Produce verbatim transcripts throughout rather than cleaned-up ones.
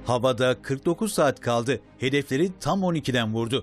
Havada kırk dokuz saat kaldı. Hedefleri tam on ikiden vurdu.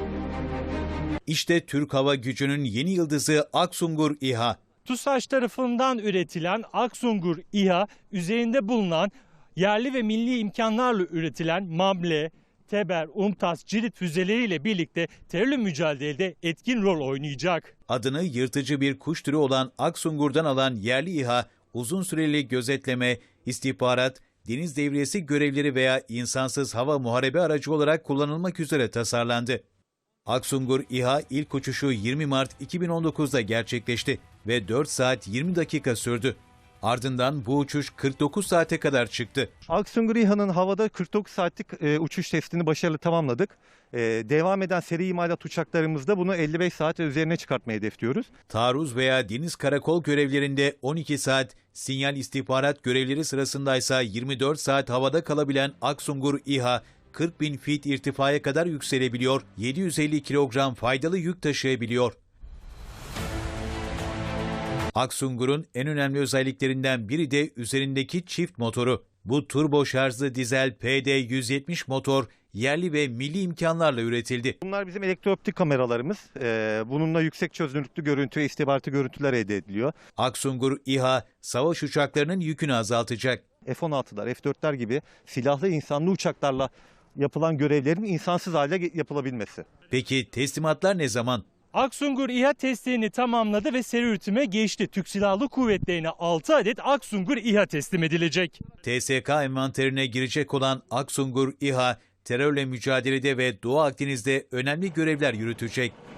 İşte Türk Hava Gücü'nün yeni yıldızı Aksungur İHA. TUSAŞ tarafından üretilen Aksungur İHA, üzerinde bulunan yerli ve milli imkanlarla üretilen MAMLE, Teber, UMTAS, Cirit füzeleriyle birlikte terörle mücadelede etkin rol oynayacak. Adını yırtıcı bir kuş türü olan Aksungur'dan alan yerli İHA, uzun süreli gözetleme, istihbarat, deniz devriyesi görevleri veya insansız hava muharebe aracı olarak kullanılmak üzere tasarlandı. Aksungur İHA ilk uçuşu yirmi Mart iki bin on dokuz'da gerçekleşti ve dört saat yirmi dakika sürdü. Ardından bu uçuş kırk dokuz saate kadar çıktı. Aksungur İHA'nın havada kırk dokuz saatlik e, uçuş testini başarılı tamamladık. E, devam eden seri imalat uçaklarımızda bunu elli beş saat üzerine çıkartmayı hedefliyoruz. Taarruz veya deniz karakol görevlerinde on iki saat, sinyal istihbarat görevleri sırasındaysa yirmi dört saat havada kalabilen Aksungur İHA, kırk bin fit irtifaya kadar yükselebiliyor, yedi yüz elli kilogram faydalı yük taşıyabiliyor. Aksungur'un en önemli özelliklerinden biri de üzerindeki çift motoru. Bu turbo şarjlı dizel P D yüz yetmiş motor yerli ve milli imkanlarla üretildi. Bunlar bizim elektrooptik kameralarımız. E, bununla yüksek çözünürlüklü görüntü ve istihbaratı görüntüler elde ediliyor. Aksungur İHA, savaş uçaklarının yükünü azaltacak. F on altı'lar, F dört'ler gibi silahlı insanlı uçaklarla yapılan görevlerin insansız hale yapılabilmesi. Peki teslimatlar ne zaman? Aksungur İHA testlerini tamamladı ve seri üretime geçti. Türk Silahlı Kuvvetleri'ne altı adet Aksungur İHA teslim edilecek. T S K envanterine girecek olan Aksungur İHA, terörle mücadelede ve Doğu Akdeniz'de önemli görevler yürütecek.